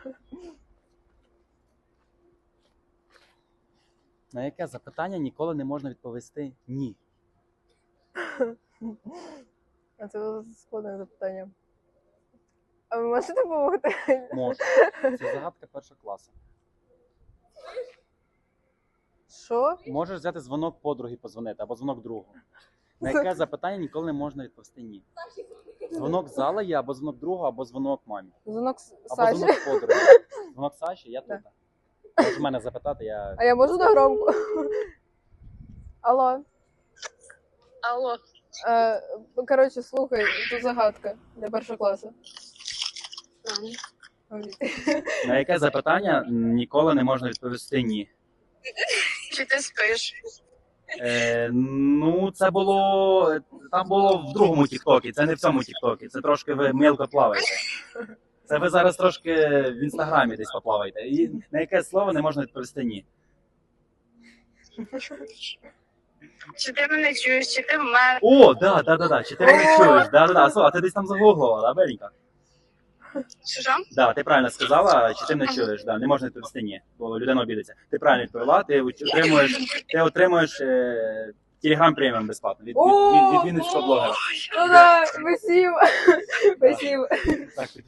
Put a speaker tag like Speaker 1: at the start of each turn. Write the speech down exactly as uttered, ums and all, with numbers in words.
Speaker 1: На яке запитання ніколи не можна відповісти ні?
Speaker 2: А це складне запитання. А ви можете допомогти?
Speaker 1: Можу. Це загадка першого класу.
Speaker 2: Що?
Speaker 1: Можеш взяти дзвонок подруги подзвонити, або дзвонок другу. На яке запитання ніколи не можна відповісти ні? Дзвонок зала є, або дзвонок другу, або дзвонок мамі.
Speaker 2: Дзвонок
Speaker 1: Або
Speaker 2: Саші.
Speaker 1: дзвонок подруги. Дзвонок Саші, я тут.
Speaker 2: Да.
Speaker 1: Можеш мене запитати, я...
Speaker 2: А я можу на громку? Алло.
Speaker 3: Алло.
Speaker 2: Е, коротше, слухай, тут загадка для першого класу.
Speaker 1: На яке запитання ніколи не можна відповісти ні?
Speaker 3: Чи ти спиш?
Speaker 1: Е, ну, це було... Там було в другому тіктокі, це не в цьому тіктокі. Це трошки ви мілко плаваєте. Це ви зараз трошки в інстаграмі десь поплаваєте. І на яке слово не можна відповісти ні?
Speaker 3: Чи ти мене чуєш, чи ти в мене?
Speaker 1: О, да, да, да, да. Чи ти мене чуєш? Да, да, да. Слухай, а ти десь там загуглила, да, Беленька?
Speaker 3: Що ж?
Speaker 1: Да, ти правильно сказала, чи ти мене чуєш, да, не можна відповісти ні, бо людина обідеться. Ти правильно відповіла, ти отримуєш, ти отримуєш е, Telegram преміум безплатно від, від, від, від Вінницького блогера.
Speaker 2: Ну да, спасибо. Спасибо.
Speaker 1: Так,